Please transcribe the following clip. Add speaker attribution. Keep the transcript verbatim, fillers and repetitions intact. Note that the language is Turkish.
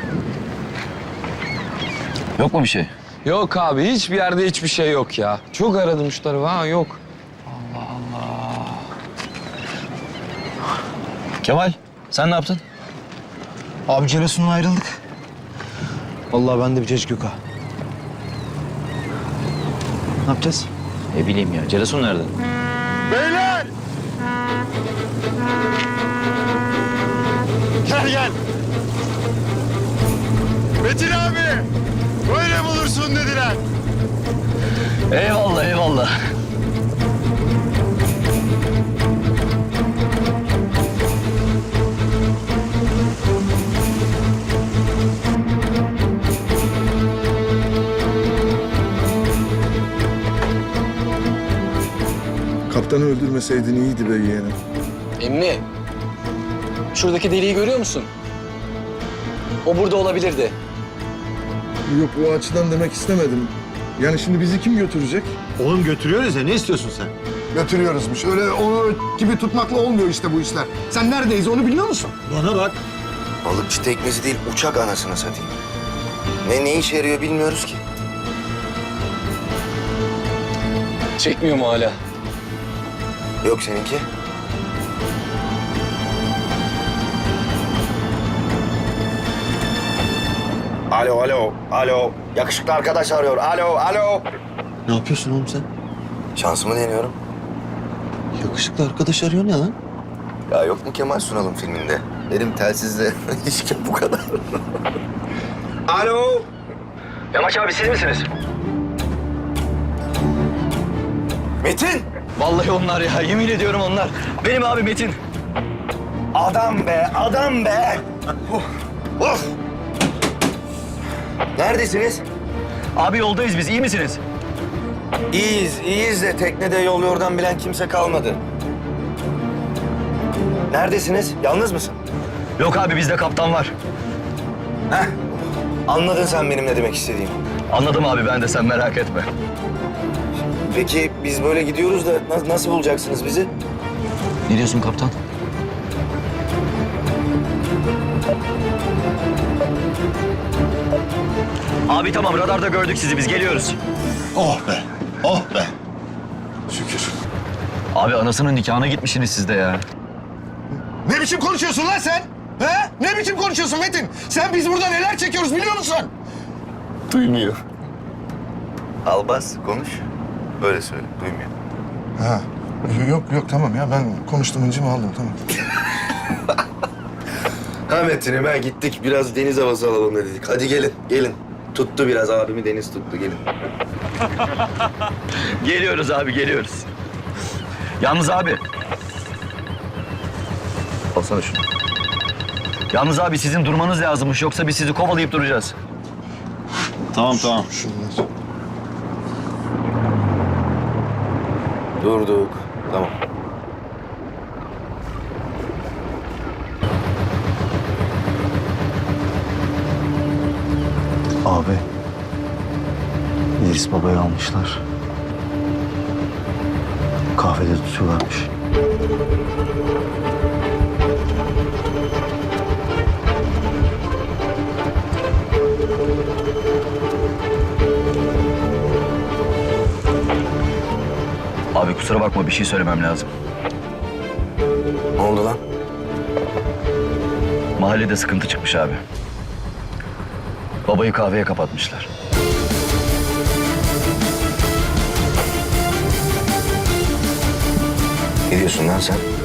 Speaker 1: Yok mu bir şey?
Speaker 2: Yok abi, hiçbir yerde hiçbir şey yok ya. Çok aradım şu tarafı, ha yok.
Speaker 1: Kemal, sen ne yaptın?
Speaker 3: Abi Celasun'la ayrıldık. Vallahi ben de bir cacık yok ha. Ne yapacağız?
Speaker 1: Ne bileyim ya, Celasun nerede?
Speaker 4: Beyler! Gel gel. Metin abi! Böyle bulursun dediler.
Speaker 1: Eyvallah, eyvallah.
Speaker 5: Kaptanı öldürmeseydin iyiydi be yeğenim.
Speaker 6: Emmi, şuradaki deliği görüyor musun? O burada olabilirdi.
Speaker 5: Yok o açıdan demek istemedim. Yani şimdi bizi kim götürecek?
Speaker 4: Oğlum götürüyoruz ya, ne istiyorsun sen?
Speaker 5: Götürüyoruzmuş. Öyle onu gibi tutmakla olmuyor işte bu işler. Sen neredeyiz onu biliyor musun?
Speaker 4: Bana bak.
Speaker 7: Balıkçı teknesi değil, uçak anasını satayım. Ne ne işe yarıyor bilmiyoruz ki.
Speaker 6: Çekmiyor mu hala?
Speaker 7: Yok seninki. Alo, alo, alo. Yakışıklı arkadaş arıyor. Alo, alo.
Speaker 4: Ne yapıyorsun oğlum sen?
Speaker 7: Şansımı deniyorum.
Speaker 4: Yakışıklı arkadaş arıyor ne lan?
Speaker 7: Ya yok mu Kemal Sunal'ın filminde? Benim telsizle hiç bu kadar. Alo.
Speaker 1: Yamaç abi siz misiniz?
Speaker 7: Metin.
Speaker 1: Vallahi onlar ya, yemin ediyorum onlar. Benim abi Metin.
Speaker 7: Adam be, adam be. Of. Of. Neredesiniz?
Speaker 1: Abi yoldayız biz, iyi misiniz?
Speaker 7: İyiyiz, iyiyiz de teknede yol yordan bilen kimse kalmadı. Neredesiniz? Yalnız mısın?
Speaker 1: Yok abi, bizde kaptan var.
Speaker 7: Heh. Anladın sen benim ne demek istediğimi.
Speaker 1: Anladım abi, ben de, sen merak etme.
Speaker 7: Peki biz böyle gidiyoruz da na- nasıl bulacaksınız bizi?
Speaker 1: Ne diyorsun kaptan? Abi tamam, radarda gördük sizi, biz geliyoruz.
Speaker 4: Oh be, oh be.
Speaker 5: Şükür.
Speaker 1: Abi anasının nikahına gitmişsiniz siz de ya.
Speaker 5: Ne biçim konuşuyorsun lan sen? He? Ne biçim konuşuyorsun Metin? Sen biz burada neler çekiyoruz biliyor musun?
Speaker 7: Duymuyor. Albaz konuş. Böyle söyle, duymuyor.
Speaker 5: Ha. Yok yok tamam ya ben konuştum incimi aldım tamam.
Speaker 7: Ha Metin'e ben gittik biraz deniz havası alalım dedik. Hadi gelin, gelin. Tuttu biraz abimi deniz tuttu gelin.
Speaker 1: Geliyoruz abi, geliyoruz. Yalnız abi. Alsana şunu. Yalnız abi sizin durmanız lazımmış, yoksa biz sizi kovalayıp duracağız.
Speaker 4: Tamam tamam.
Speaker 5: Şunlar.
Speaker 7: Durduk, tamam.
Speaker 3: Abi. İdris Baba'yı almışlar. Kahvede tutuyorlarmış.
Speaker 1: Abi kusura bakma, bir şey söylemem lazım.
Speaker 7: Ne oldu lan?
Speaker 1: Mahallede sıkıntı çıkmış abi. Babayı kahveye kapatmışlar.
Speaker 7: Ne diyorsun lan sen?